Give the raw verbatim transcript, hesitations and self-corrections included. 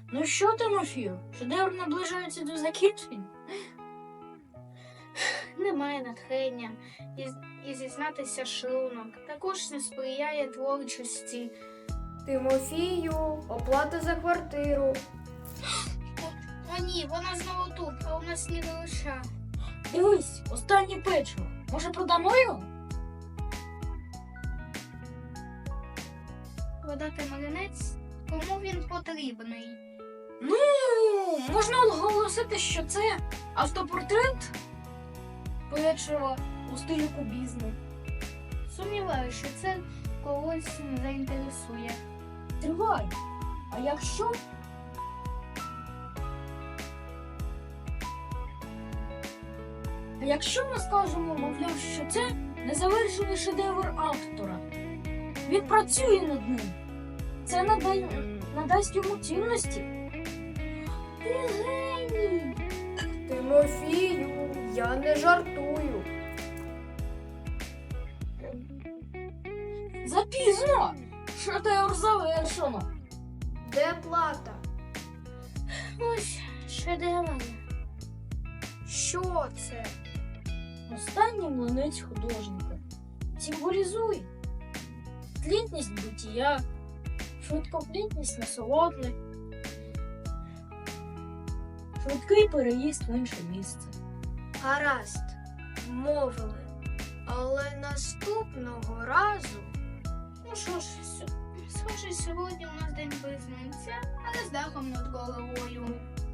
Ну що, Тимофію, шедевр наближається до закінчення? Немає натхнення і, і зізнатися шлунок. Також не сприяє творчості. Тимофію, оплата за квартиру. О ні, вона знову тут, а у нас ні гроша. Дивись, останнє печиво. Може, продамо його? Продати маринець? Кому він потрібний? Ну, можна оголосити, що це автопортрет печива у стилі кубізму. Сумніваюся, що це когось не заінтересує. Тривай. А якщо? А якщо ми скажемо, мовляв, що це незавершений шедевр автора? Він працює над ним. Це надай... надасть йому цінності. Ти геній! Тимофію, я не жартую. Запізно! Шедевр завершено. Де плата? Ось шедевр. Що це? Останній млинець художника. Символізує тлітність буття, швидкоплітність насолоди, швидкий переїзд в інше місце. Гаразд, мовили. Але наступного разу Ну що ж, с- схоже, сьогодні у нас день без млинця, але з дахом над головою.